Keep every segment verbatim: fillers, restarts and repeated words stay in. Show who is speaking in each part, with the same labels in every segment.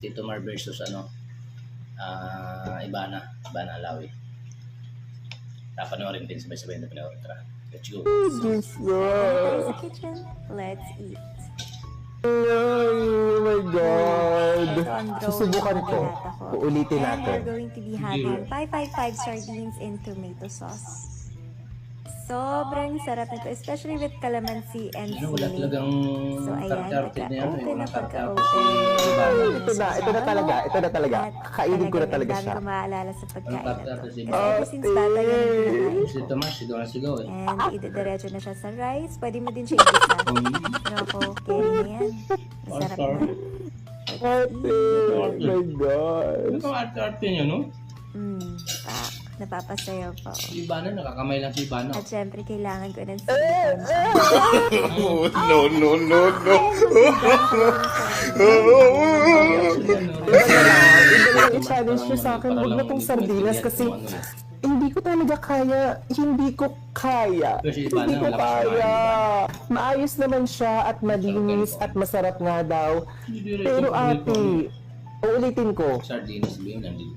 Speaker 1: Tito Mar versus ano, ah Ibana, Ibana Alawi. Napanoorin din sabay-sabay na panoorin. Tara, let's go.
Speaker 2: Diyos ko.
Speaker 3: Tayo sa kitchen. Let's eat.
Speaker 2: Oh my God.
Speaker 3: Ito ang drone
Speaker 2: Susubukan
Speaker 3: ng
Speaker 2: ko.
Speaker 3: binata ko.
Speaker 2: Uulitin
Speaker 3: And
Speaker 2: natin.
Speaker 3: we're going to be having five five five sardines in tomato sauce. Sobrang sarap nito, especially with calamansi and
Speaker 1: Ano, wala
Speaker 3: sili.
Speaker 1: talagang
Speaker 3: So ayan,
Speaker 1: karte-arte na yan.
Speaker 3: pagka-open na
Speaker 1: Walang karte-arte
Speaker 3: pagka-open.
Speaker 1: si Ibana.
Speaker 2: Ito na, ito na talaga, ito na talaga.
Speaker 3: At
Speaker 2: Kakainin ko na
Speaker 3: talagang
Speaker 2: talaga
Speaker 3: ang
Speaker 2: siya.
Speaker 3: dami ko maaalala sa pagkain na to.
Speaker 1: karte-arte si
Speaker 3: Kasi
Speaker 1: Ibana.
Speaker 3: ever since bata, yan ang kinakain
Speaker 1: Si
Speaker 3: ko.
Speaker 1: Tomas, sigaw na sigaw eh.
Speaker 3: And idediretso na siya sa rice. Pwede mo din siya igisa. Pero ako, carry na yan. Masarap
Speaker 1: Awesome.
Speaker 3: na.
Speaker 2: Ate, oh my God.
Speaker 1: Ano kang arte-arte niya, no?
Speaker 3: Hmm, pak. Napapasayaw pa. Oh.
Speaker 1: Si Ibana, nakakamay lang si Ibana.
Speaker 3: At syempre, kailangan ko ng silikon.
Speaker 2: No, no, no, no. Iba lang i-challenge nyo sa akin. Huwag na tong sardinas kasi hindi ko talaga kaya. Hindi ko kaya.
Speaker 1: Pero si
Speaker 2: Hindi
Speaker 1: Ibana,
Speaker 2: ko
Speaker 1: malakas
Speaker 2: kaya.
Speaker 1: kumain,
Speaker 2: Maayos naman siya at malinis at masarap nga daw. Pero ate, uulitin ko.
Speaker 1: Sardinas ba yun? Nandito.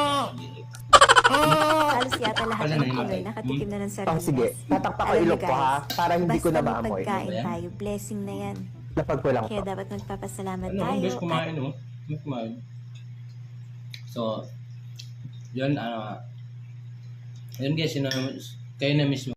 Speaker 3: Halos yata lahat
Speaker 1: Wala
Speaker 3: ng
Speaker 1: na yung
Speaker 3: Pinoy
Speaker 1: matay.
Speaker 3: nakatikim na ng
Speaker 2: Oh,
Speaker 3: sardinas.
Speaker 2: sige. Tatakpak ko
Speaker 3: Alam
Speaker 2: ilok
Speaker 3: niyo,
Speaker 2: ko ha.
Speaker 3: guys,
Speaker 2: Para hindi ko na
Speaker 3: basta may
Speaker 2: maamoy.
Speaker 3: pagkain
Speaker 1: Ano ba yan?
Speaker 3: tayo, blessing na yan.
Speaker 2: Lapag ko lang
Speaker 3: Kaya
Speaker 2: to.
Speaker 3: dapat magpapasalamat
Speaker 1: Ano,
Speaker 3: tayo.
Speaker 1: best kumain, no? Best kumain. So, yun, ano, yun guys, yun, na- kayo na mismo.